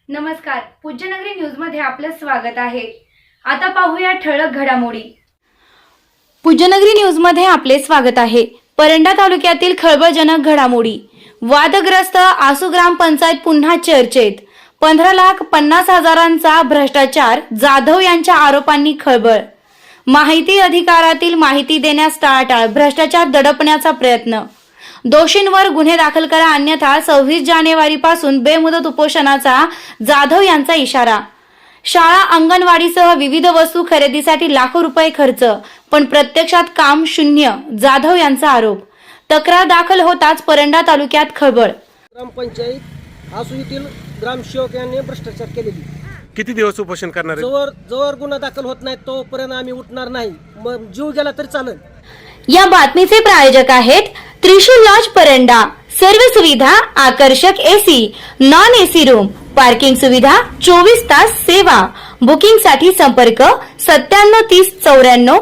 नमस्कार, पूज्यनगरी न्यूज मध्ये आपलं स्वागत आहे। आता पाहूया ठळक घडामोडी। पूज्यनगरी न्यूज मध्ये आपले स्वागत आहे। परंडा तालुक्यातील खळबळजनक घडामोडी। वादग्रस्त आसू ग्रामपंचायत पुन्हा चर्चेत। 15,50,000चा भ्रष्टाचार, जाधव यांच्या आरोपांनी खळबळ। माहिती अधिकारातील माहिती देण्यास टाळाटाळ, भ्रष्टाचार दडपण्याचा प्रयत्न। दोषींवर गुन्हे दाखल करा अन्यथा 26 जानेवारीपासून बेमुदत उपोषणाचा जाधव यांचा इशारा। शाळा अंगणवाडीसह विविध वस्तू खरेदीसाठी लाखो रुपये खर्च, पण प्रत्यक्षात काम शून्य, जाधव यांचा आरोप। तक्रार दाखल होताच परंडा तालुक्यात खळबळ। ग्रामपंचायत आसू येथील ग्रामसेवक यांनी भ्रष्टाचार केलेली। किती दिवस उपोषण करणार आहे? जोवर गुन्हा दाखल होत नाही तोपर्यंत आम्ही उठणार नाही। मग जीव गेला तरी चालेल। या बातमीचे प्रायोजक आहेत त्रिशूल लॉज परंडा। सर्व सुविधा, आकर्षक AC, non AC room, parking सुविधा, 24 तास सेवा। बुकिंग साठी संपर्क 9730 94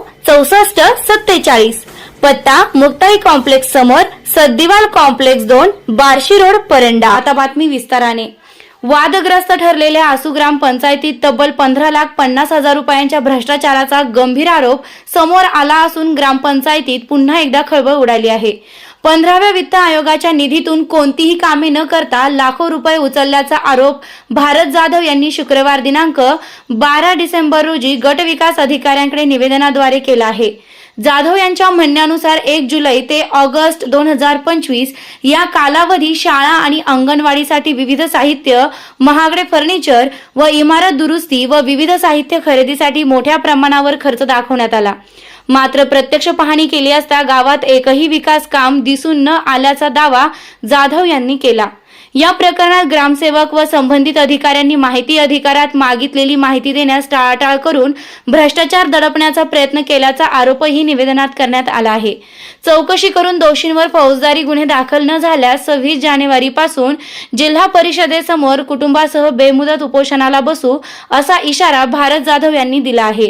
64 47। पत्ता मुक्ताई कॉम्प्लेक्स समोर, सद्दिवाल कॉम्प्लेक्स 2, बार्शी रोड, परंडा। आता बातमी विस्ताराने। वादग्रस्त ठरलेल्या आसू ग्रामपंचायतीत तब्बल 15,50,000 रुपयांच्या भ्रष्टाचाराचा गंभीर आरोप समोर आला असून ग्रामपंचायतीत पुन्हा एकदा खळबळ उडाली आहे। 15व्या वित्त आयोगाच्या निधीतून कोणतीही कामे न करता लाखो रुपये उचलल्याचा आरोप भारत जाधव यांनी शुक्रवार दिनांक 12 डिसेंबर रोजी गट विकास अधिकाऱ्यांकडे निवेदनाद्वारे केला आहे। जाधव यांच्या म्हणण्यानुसार 1 जुलै ते ऑगस्ट 2025 या कालावधी शाळा आणि अंगणवाडीसाठी विविध साहित्य, महागडे फर्निचर व इमारत दुरुस्ती व विविध साहित्य खरेदीसाठी मोठ्या प्रमाणावर खर्च दाखवण्यात आला। मात्र प्रत्यक्ष पाहणी केली असता गावात एकही विकास काम दिसून न आल्याचा दावा जाधव यांनी केला। या प्रकरणात ग्रामसेवक व संबंधित अधिकाऱ्यांनी माहिती अधिकारात मागितलेली माहिती देण्यास टाळाटाळ करून भ्रष्टाचार दडपण्याचा प्रयत्न केल्याचा आरोपही निवेदनात करण्यात आला आहे। चौकशी करून दोषींवर फौजदारी गुन्हे दाखल न झाल्यास 26 जानेवारीपासून जिल्हा परिषदेसमोर कुटुंबासह बेमुदत उपोषणाला बसू असा इशारा भारत जाधव यांनी दिला आहे।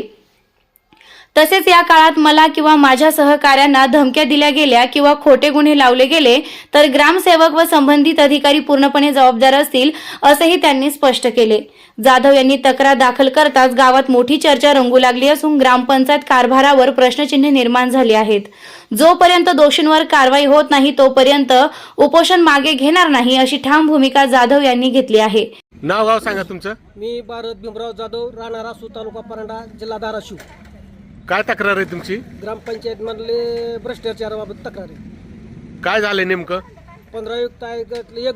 तसेच या काळात मला किंवा माझ्या सहकाऱ्यांना धमक्या दिल्या गेल्या किंवा खोटे गुन्हे लावले गेले तर ग्रामसेवक व संबंधित अधिकारी पूर्णपणे जबाबदार असतील असेही त्यांनी स्पष्ट केले। जाधव यांनी तक्रार दाखल करताच गावात मोठी चर्चा रंगू लागली असून ग्रामपंचायत कारभारावर प्रश्नचिन्हे निर्माण झाली आहेत। जोपर्यंत दोषींवर कारवाई होत नाही तोपर्यंत उपोषण मागे घेणार नाही अशी ठाम भूमिका जाधव यांनी घेतली आहे। नाव गाव सांगा तुमचं। मी भारत भीमराव जाधव, राहणार आसू, तालुका परंडा, जिल्हा धाराशिव। काय तक्रार आहे तुमची? ग्रामपंचायत मधले भ्रष्टाचाराबाबत तक्रार आहे। काय झाले नेमकं? 15 युक्त आयोगात 1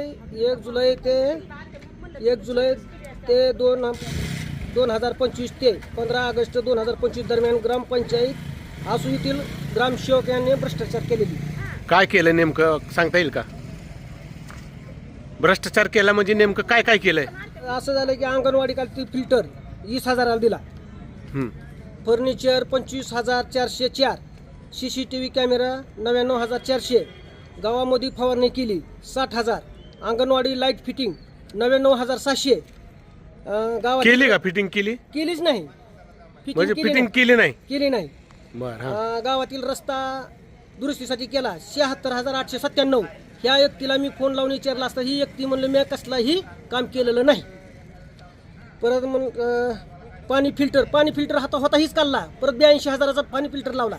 जुलै ते 2025 ते 15 ऑगस्ट 2025 दरम्यान ग्रामपंचायत आसू येथील ग्रामसेवक यांनी भ्रष्टाचार केलेली। काय केलं नेमकं सांगता येईल का? भ्रष्टाचार केला म्हणजे नेमकं काय काय केलंय? असं झालं की अंगणवाडी कालती फिल्टर 20,000ला दिला, फर्निचर 25,404, CCTV कॅमेरा 99,400, गावामध्ये फवारणी केली 60,000, अंगणवाडी लाईट फिटिंग 99,700। गावात केली का? फिटिंग केलीच नाही। म्हणजे फिटिंग केली नाही? बरं। गावातील रस्ता दुरुस्तीसाठी केला 76,897। ह्या व्यक्तीला मी फोन लावून विचारला असता ही व्यक्ती म्हणलं मी कसलाही काम केलेलं नाही। परत मग पाणी फिल्टर होता हीच काढला, परत 82,000चा पाणी फिल्टर लावला,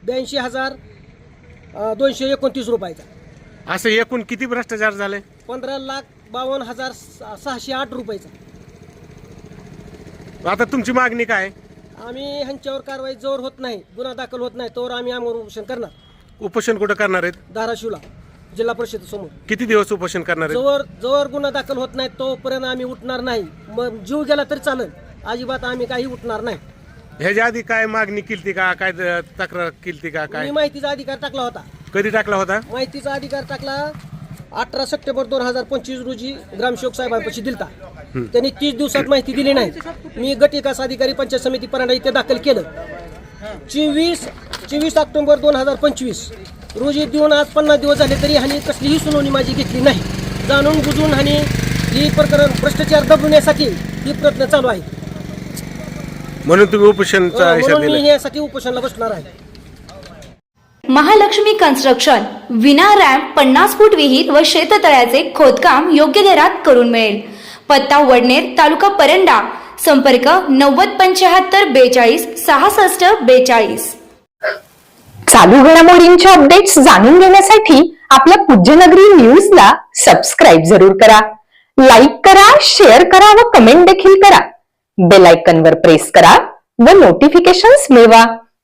82,229 रुपयाचा। असं एकूण किती भ्रष्टाचार झाले? 15,52,608 रुपयाचा। आता तुमची मागणी काय? आम्ही ह्यांच्यावर कारवाई जोर होत नाही, गुन्हा दाखल होत नाही तोवर आम्ही आमरण उपोषण करणार। उपोषण कुठं करणार आहेत? धाराशिवला जिल्हा परिषदेसमोर। किती दिवस उपोषण करणार आहेत? जोवर गुन्हा दाखल होत नाही तोपर्यंत आम्ही उठणार नाही। मग जीव गेला तरी चालेल, अजिबात आम्ही काही उठणार नाही। ह्याच्या आधी काय मागणी केली का? काय तक्रार केली का? काय माहितीचा अधिकार टाकला होता? कधी टाकला होता? माहितीचा अधिकार टाकला 18 सप्टेंबर 2025 रोजी ग्रामसेवक साहेबांपाशी दिलता। त्यांनी 30 दिवसात माहिती दिली नाही। मी गट विकास अधिकारी पंचायत समिती परंडा इथे दाखल केलं। 24 ऑक्टोबर 2025 रोजी देऊन आज 50 दिवस झाले तरी ह्यांनी कसलीही सुनावणी माझी घेतली नाही। जाणून बुजून ह्यांनी ही प्रकरण भ्रष्टाचार दबवण्यासाठी ही प्रयत्न चालू आहे। म्हणून तुम्ही उपोषणचा इशारा दिला? मी यासाठी उपोषणाला बसणार आहे। महालक्ष्मी कन्स्ट्रक्शन विना रॅम्प 50 फूट विहीर व शेततळ्याचे खोदकाम योग्य दरात करून मिळेल। पत्ता वडनेर, तालुका परंडा. संपर्क 907542 चालू घडामोडींच्या अपडेट्स जाणून घेण्यासाठी आपल्या पूज्यनगरी न्यूजला सबस्क्राईब जरूर करा. लाईक करा, शेअर करा व कमेंट देखील करा. बेल आयकॉनवर प्रेस करा व नोटिफिकेशन्स मिळवा.